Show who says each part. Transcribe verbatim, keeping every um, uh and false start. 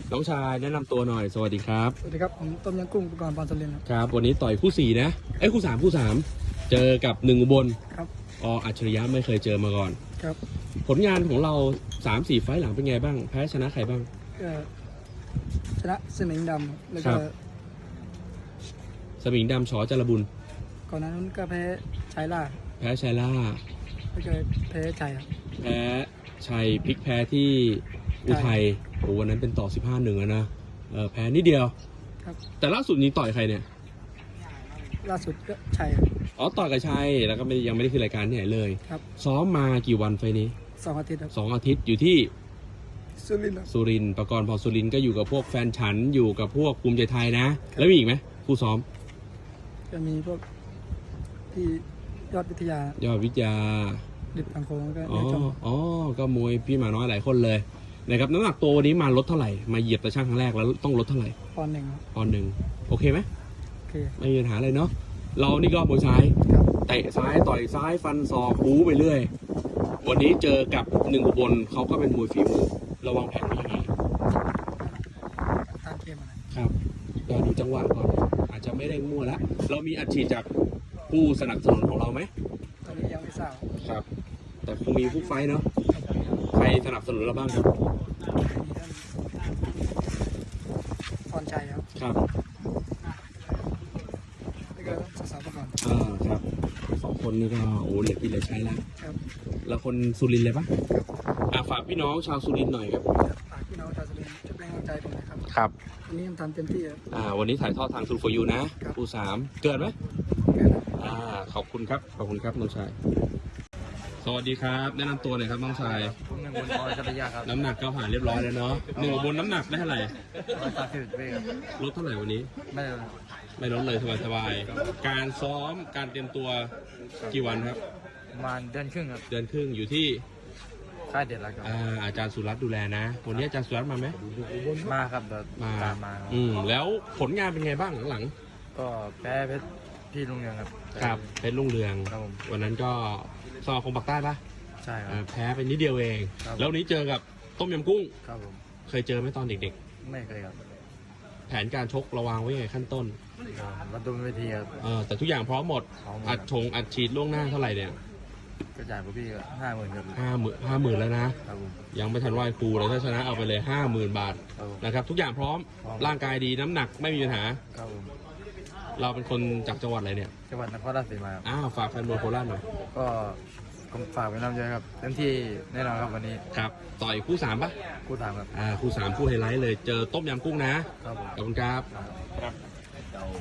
Speaker 1: น้องชายแนะนำตัวหน่อยสวัสดีครับ
Speaker 2: สวัสดีครับผมต้มยำกุ้งอุปกรณ์ปอนด์สลินครับ
Speaker 1: ครับวันนี้ต่อยคู่สี่นะเอ้ยคู่สามคู่สามเจอกับหนึ่งอุบล
Speaker 2: ครับ
Speaker 1: ออัจฉริยะไม่เคยเจอมาก่อน
Speaker 2: ครับ
Speaker 1: ผลงานของเราสามสี่ไฟล์หลังเป็นไงบ้างแพ้ชนะใครบ้าง
Speaker 2: ก็ชนะสมิงดำแล้วก็
Speaker 1: สมิงดำชอจรบุญ
Speaker 2: ก่อนนั้นก็แพ้ชัยล่า
Speaker 1: แพ้ชัยล่า
Speaker 2: แล้วก็แพ้ชัยครับ
Speaker 1: แพ้ชัยพลิกแพ้ที่อุทัยโอ้วันนั้นเป็นต่อสิบห้าหนึ่งนะเออแพ้นิดเดียว
Speaker 2: ครับ
Speaker 1: แต่ล่าสุดนี้ต่อยใครเนี่ย
Speaker 2: ล่าสุดก็ชัย
Speaker 1: อ๋อต่อยกับชัยแล้วก็ไม่ยังไม่ได้ขึ้นรายการที่ไหนเลย
Speaker 2: ครับ
Speaker 1: ซ้อมมากี่วันไฟนี้
Speaker 2: สองอาทิตย์ครับ
Speaker 1: สองอาทิตย์อยู่ที่
Speaker 2: สุรินทร์
Speaker 1: สุรินทร์ประกรณ์พอสุรินทร์ก็อยู่กับพวกแฟนฉันอยู่กับพวกภูมิใจไทยนะแล้วมีอีกไหมผู้ซ้อม
Speaker 2: จะมีพวกที่ยอดวิทยาย
Speaker 1: อดวิทยา
Speaker 2: ดิบอังโคงก็
Speaker 1: อ๋ออ๋อก็มวยพี่หมาน้อยหลายคนเลยนะครับน้ำหนักตัววันนี้มาลดเท่าไหร่มาเหยียบตะช่างครั้งแรกแล้วต้องลดเท่าไหร่
Speaker 2: ปอนด์หนึ่ง
Speaker 1: ปอนด์หนึ่งโอเคไหม
Speaker 2: โอเค
Speaker 1: ไม่มีปัญหาเลยเนาะเรานี่ก็มวยซ้ายเตะซ้ายต่อยซ้ายฟันศอกบู๊ไปเรื่อยวันนี้เจอกับหนึ่งอุบลเขาก็เป็นมวยฝีมือระวังแผนยังไง
Speaker 2: ตามเกมอะไร
Speaker 1: ครับเราดูจังหวะก่อนอาจจะไม่ได้มั่วแล้วเรามีอัดฉีดจากผู้สนับสนุนของเราไหม
Speaker 2: ตอนนี้ยังไม่ทราบ
Speaker 1: ครับแต่คงมีผู้ไฟเนาะใครสนับสนุนเราบ้างครับ
Speaker 2: พรชัยครับ
Speaker 1: ครับ
Speaker 2: แล้วก็สาวประกอบ
Speaker 1: อ่าครับสองคนนี้ก็โอ้เหลือกินเหลือใช้แล้ว
Speaker 2: ครับ
Speaker 1: แล้วคนสุรินทร์เลยปะอ่าฝากพี่น้องชาวสุรินทร์หน่อยครับ
Speaker 2: ฝากพี่น้องชาวสุรินทร์ช่วยเป็นกำลังใจผมนะครับ
Speaker 1: ครับ
Speaker 2: วันนี้ทำเต็มที่ครับ
Speaker 1: อ่าวันนี้ถ่ายทอดทางซูโฟยูนะคู่สามเกิดไหม
Speaker 2: เกิด
Speaker 1: อ่าขอบคุณครับขอบคุณครับน้องชายสวัสดีครับแนะนำตัวหน่อยครับน้องชาย
Speaker 3: ผมหนึ่งบนออยกัตยาครับ
Speaker 1: น้ำหนักก็ผ่านเรียบร้อยแล้วเนาะหนึ่งบนน้ำหนักได้เท่าไหร่
Speaker 3: ร้อยสามสิบเวครับ
Speaker 1: ลดเท่าไหร่วันนี้
Speaker 3: ไม่ลด
Speaker 1: ไม่ลดเลยสบายๆการซ้อมการเตรียมตัวกี่วันครับ
Speaker 3: ประมาณเดือนครึ่งครับ
Speaker 1: เดือนครึ่งอยู่ที่
Speaker 3: ค่ายเด็ดแล้วครับ
Speaker 1: อาอาจารย์สุรัตน์ดูแลนะวันนี้อาจารย์สุรัตน์มาไหม
Speaker 3: มาครับเดี๋ยว
Speaker 1: มา
Speaker 3: ตามมา
Speaker 1: อืมแล้วผลงานเป็นไงบ้างหลัง
Speaker 3: ๆก็แพ้เพชรพี่ลุงเรืองครับ
Speaker 1: ครับเพชรลุงเรือง
Speaker 3: ครับผม
Speaker 1: วันนั้นก็สอบคงปักใต้ปะ
Speaker 3: ใช่ครับ
Speaker 1: แพ้ไปนิดเดียวเองแล้ววันนี้เจอกับต้มยำกุ้ง
Speaker 3: ครับผม
Speaker 1: เคยเจอไหมตอนเด็ก
Speaker 3: ๆไม่เคยครับ
Speaker 1: แผนการชกระวังไว้ไงขั้นต้น
Speaker 3: มาดูเวทีครับ
Speaker 1: เออแต่ทุกอย่างพร้อมหมดอัดชงอัดฉีดล่วงหน้าเท่าไหร่เนี่ย
Speaker 3: ก็จ่ายพวกพี่ห้าหมื่นครับ
Speaker 1: ห้าหมื่นห้าหมื่นแล้วนะครับยังไม่ทันไหวครูเลยถ้าชนะเอาไปเลยห้าหมื่นบาทนะครับทุกอย่างพร้อมร่างกายดีน้ำหนักไม่มีปัญหา
Speaker 3: ครับผม
Speaker 1: เราเป็นคนจากจังหวัดอะไรเนี่ย
Speaker 3: จังหวัดนครราชสีมา
Speaker 1: อ้าวฝากแฟนบอลโคราชหน่อย
Speaker 3: ก็ฝากไว้น้ำใจครับเต็มที่แน่นอนครับวันนี้
Speaker 1: ครับต่อยคู่สามปะ
Speaker 3: คู่สามครับ
Speaker 1: อ่าคู่สามคู่ไฮไลท์เลยเจอต้มยำกุ้งนะครับขอบคุณครับ